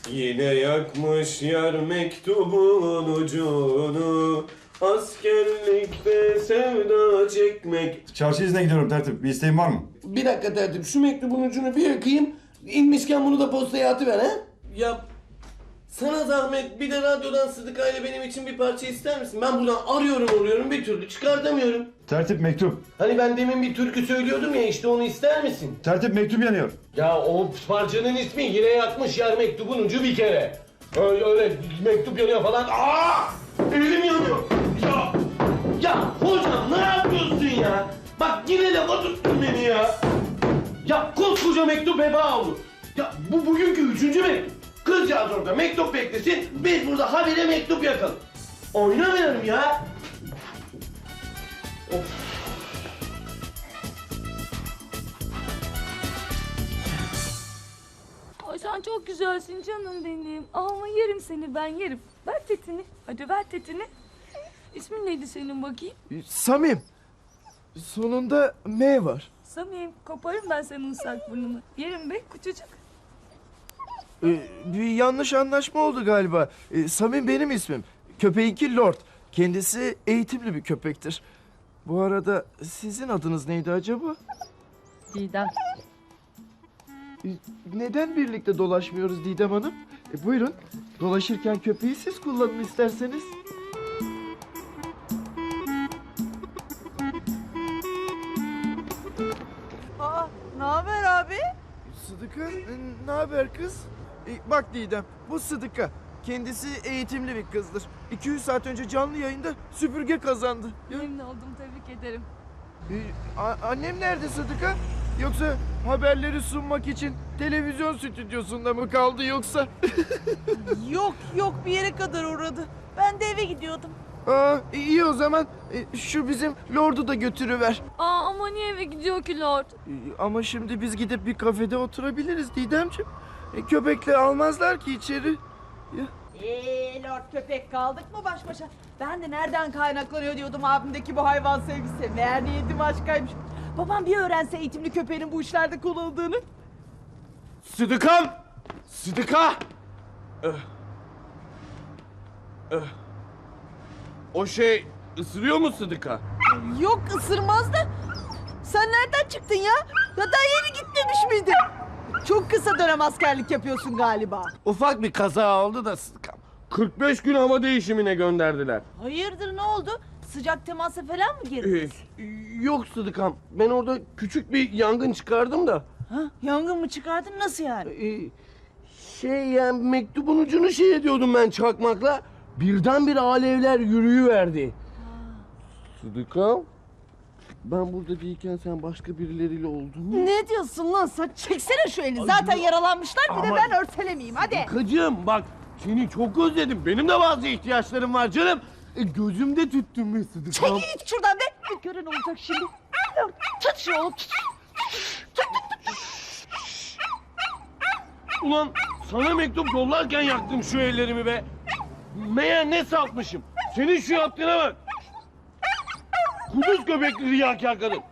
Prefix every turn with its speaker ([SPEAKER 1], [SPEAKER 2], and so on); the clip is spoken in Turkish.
[SPEAKER 1] Yine yakmış yar mektubun ucunu. Askerlikte sevda çekmek.
[SPEAKER 2] Çarşı izine gidiyorum tertip. Bir isteğin var mı?
[SPEAKER 1] Bir dakika tertip, şu mektubun ucunu bir yakayım. İnmişken bunu da postaya atıver ha. Ya sana zahmet, bir de radyodan Sıdıka ile benim için bir parça ister misin? Ben buradan arıyorum bir türlü çıkartamıyorum.
[SPEAKER 2] Tertip mektup.
[SPEAKER 1] Hani ben demin bir türkü söylüyordum ya, işte onu ister misin?
[SPEAKER 2] Tertip mektup yanıyor.
[SPEAKER 1] Ya o parçanın ismi Yine Yakmış Yar Mektubun Ucu bir kere. Öyle mektup yanıyor falan. Aa! Elim yanıyor. Ya hocam ne yapıyorsun ya? Bak yine de tuttun beni ya. Ya koskoca mektup heba oldu. Ya bu bugünkü 3. mektup. Kızcağız orada mektup beklesin, biz burada habire mektup yakalım. Oynamayalım ya. Of.
[SPEAKER 3] Ay sen çok güzelsin canım benim. Ama yerim seni, ben yerim. Ver tetini. Hadi ver tetini. İsmin neydi senin bakayım?
[SPEAKER 4] Samim. Sonunda M var.
[SPEAKER 3] Samim, koparım ben senin ıslak burnunu. Yerim be küçücük.
[SPEAKER 4] Bir yanlış anlaşma oldu galiba. Samim benim ismim. Köpeğinki Lord. Kendisi eğitimli bir köpektir. Bu arada sizin adınız neydi acaba?
[SPEAKER 3] Didem.
[SPEAKER 4] Neden birlikte dolaşmıyoruz Didem Hanım? Buyurun. Dolaşırken köpeği siz kullanın isterseniz.
[SPEAKER 5] Aa, ne haber abi?
[SPEAKER 4] Sıdıka, ne haber kız? Bak Didem, bu Sıdıka. Kendisi eğitimli bir kızdır. 200 saat önce canlı yayında süpürge kazandı.
[SPEAKER 3] Memnun oldum, tebrik ederim.
[SPEAKER 4] Annem nerede Sıdıka? Yoksa haberleri sunmak için televizyon stüdyosunda mı kaldı yoksa?
[SPEAKER 5] Yok bir yere kadar uğradı. Ben de eve gidiyordum.
[SPEAKER 4] İyi o zaman. Şu bizim Lord'u da götürüver.
[SPEAKER 3] Ama niye eve gidiyor ki Lord?
[SPEAKER 4] Ama şimdi biz gidip bir kafede oturabiliriz Didemciğim. Köpekle almazlar ki içeri.
[SPEAKER 5] Lord köpek kaldık mı baş başa? Ben de nereden kaynaklanıyor diyordum abimdeki bu hayvan sevgisi. Meğer niyeti başkaymış. Babam bir öğrense eğitimli köpeğin bu işlerde kullanıldığını.
[SPEAKER 1] Sıdıkam! Sıdıka! O şey ısırıyor mu Sıdıka?
[SPEAKER 5] Yok ısırmaz da. Sen nereden çıktın ya? Ya daha yeni gitmemiş miydin? Çok kısa dönem askerlik yapıyorsun galiba.
[SPEAKER 1] Ufak bir kaza oldu da Sıdıkam. 45 gün hava değişimine gönderdiler.
[SPEAKER 5] Hayırdır ne oldu? Sıcak temasa falan mı girdiniz?
[SPEAKER 1] Yok Sıdıkam. Ben orada küçük bir yangın çıkardım da.
[SPEAKER 5] Ha? Yangın mı çıkardın nasıl yani?
[SPEAKER 1] Yani mektubun ucunu şey ediyordum ben çakmakla. Birdenbire alevler yürüyüverdi. Sıdıkam. Ben burada değilken sen başka birileriyle oldun mu?
[SPEAKER 5] Ne diyorsun lan sen? Çeksene şu elini. Zaten yaralanmışlar bir de
[SPEAKER 1] Ama-
[SPEAKER 5] ben örtelemeyeyim hadi.
[SPEAKER 1] Kıcım bak seni çok özledim. Benim de bazı ihtiyaçlarım var canım. Gözümde tüttün be Sıdıkam.
[SPEAKER 5] Çekil git şuradan be. Bir gören olacak şimdi. Tut şunu oğlum tut.
[SPEAKER 1] Ulan sana mektup yollarken yaktım şu ellerimi be. Meğer ne saltmışım. Senin şu yaptığına bak. Kuduz göbekli riyakâr kadın.